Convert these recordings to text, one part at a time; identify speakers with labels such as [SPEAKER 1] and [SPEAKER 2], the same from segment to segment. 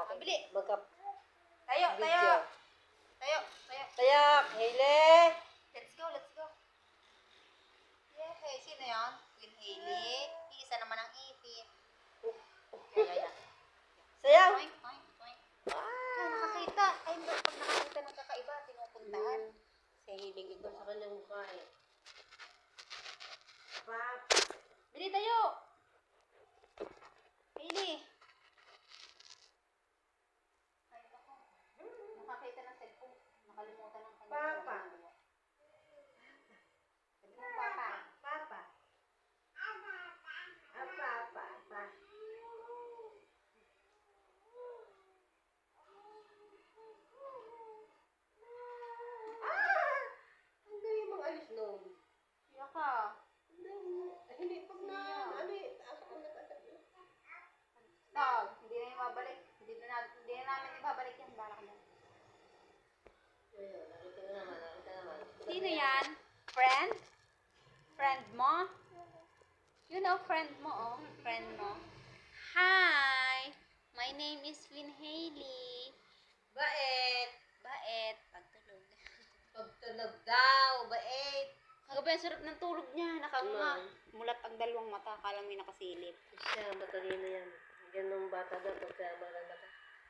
[SPEAKER 1] Mabili.
[SPEAKER 2] Magka
[SPEAKER 1] Tayo, tayo.
[SPEAKER 2] video.
[SPEAKER 1] Tayo, tayo.
[SPEAKER 2] Tayak, Hailey.
[SPEAKER 1] Let's go, let's go. Yay, sino yan? Queen Hailey. Isa naman ang ipin. Yan.
[SPEAKER 2] Sayaw.
[SPEAKER 1] Oink, oink, oink. Yan, nakakita. Ay, pag nakakita ng kakaiba, tinupuntahan. Si Hailey ito.
[SPEAKER 2] Sa kanyang mukha eh. Pap.
[SPEAKER 1] Bili tayo. Hailey. Ay, ako. Nakakita ng cellphone. Nakalimutan ng kanya.
[SPEAKER 2] Papa.
[SPEAKER 1] Sabi mo, Papa.
[SPEAKER 2] Papa. Papa. Ang galing mong alis noon.
[SPEAKER 1] Siya ka.
[SPEAKER 2] Hindi, pag na, ano eh, taas ako na taas.
[SPEAKER 1] Dog, hindi na yung babalik. Hindi na namin ibabalik yan. Balak yan.
[SPEAKER 2] Ayun, nakita naman.
[SPEAKER 1] Sino yan? Friend? Friend mo? You know friend mo, oh. Friend mo. Hi! My name is Queen Hailey.
[SPEAKER 2] Bait.
[SPEAKER 1] Bait. Pagtulog.
[SPEAKER 2] Pagtunog daw, bait.
[SPEAKER 1] Kagabi, ang sarap ng tulog niya. Nakanga. Mulat ang dalawang mata. Akala may nakasilip.
[SPEAKER 2] Siya, matalino yan. Ganong bata daw, pagka barang mata.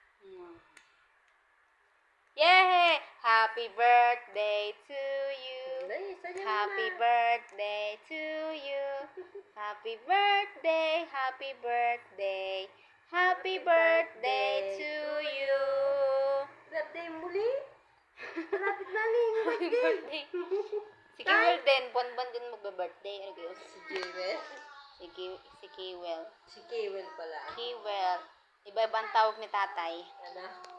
[SPEAKER 1] Yay! Happy birthday to you. Happy
[SPEAKER 2] Happy
[SPEAKER 1] birthday to you. Happy birthday, happy birthday. Happy birthday to you.
[SPEAKER 2] Birthday muli. Malapit na ling birthday.
[SPEAKER 1] Si Kiwel din, buwan-buwan din magbe-birthday. Ano kayo?
[SPEAKER 2] Si Jewel.
[SPEAKER 1] Si Kiwel.
[SPEAKER 2] Si Kewel pala.
[SPEAKER 1] Kiwel. Iba-ibang tawag ni tatay.
[SPEAKER 2] Ano?